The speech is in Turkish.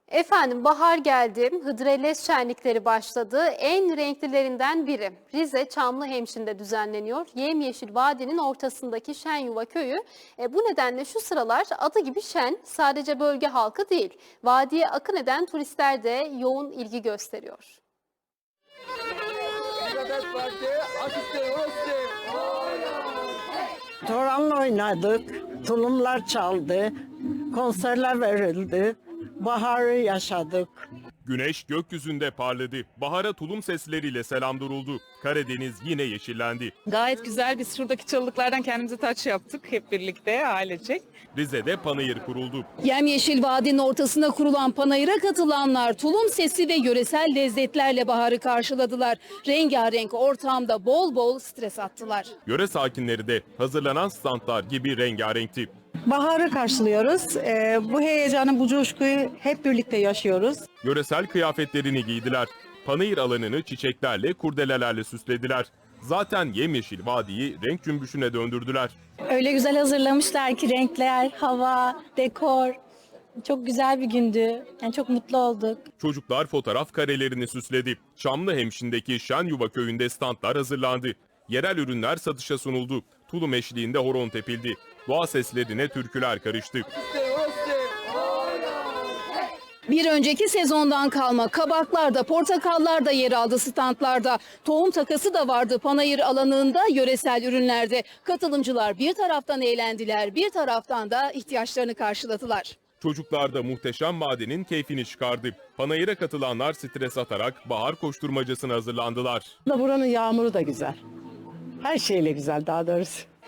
Efendim bahar geldi, Hıdrellez şenlikleri başladı. En renklilerinden biri Rize Çamlıhemşin'de düzenleniyor. Yemyeşil vadinin ortasındaki Şenyuva köyü. Bu nedenle şu sıralar adı gibi şen, sadece bölge halkı değil, vadiye akın eden turistler de yoğun ilgi gösteriyor. Toranla oynadık, tulumlar çaldı, konserler verildi, baharı yaşadık. Güneş gökyüzünde parladı. Bahara tulum sesleriyle selam duruldu. Karadeniz yine yeşillendi. Gayet güzel. Biz şuradaki çalılıklardan kendimize taç yaptık hep birlikte ailecek. Rize'de panayır kuruldu. Yemyeşil vadinin ortasına kurulan panayıra katılanlar tulum sesi ve yöresel lezzetlerle baharı karşıladılar. Rengarenk ortamda bol bol stres attılar. Yöre sakinleri de hazırlanan standlar gibi rengarenkti. Baharı karşılıyoruz. Bu heyecanı, bu coşkuyu hep birlikte yaşıyoruz. Yöresel kıyafetlerini giydiler. Panayır alanını çiçeklerle, kurdelelerle süslediler. Zaten yemyeşil vadiyi renk cümbüşüne döndürdüler. Öyle güzel hazırlamışlar ki renkler, hava, dekor. Çok güzel bir gündü. Yani çok mutlu olduk. Çocuklar fotoğraf karelerini süsledi. Çamlıhemşin'deki Şenyuva köyünde standlar hazırlandı. Yerel ürünler satışa sunuldu. Tulum eşliğinde horon tepildi. Doğa seslerine türküler karıştı. Bir önceki sezondan kalma kabaklar da portakallar da yer aldı standlarda. Tohum takası da vardı panayır alanında yöresel ürünlerde. Katılımcılar bir taraftan eğlendiler, bir taraftan da ihtiyaçlarını karşıladılar. Çocuklar da muhteşem madenin keyfini çıkardı. Panayıra katılanlar stres atarak bahar koşturmacasına hazırlandılar. Buranın yağmuru da güzel. Her şeyle güzel daha doğrusu.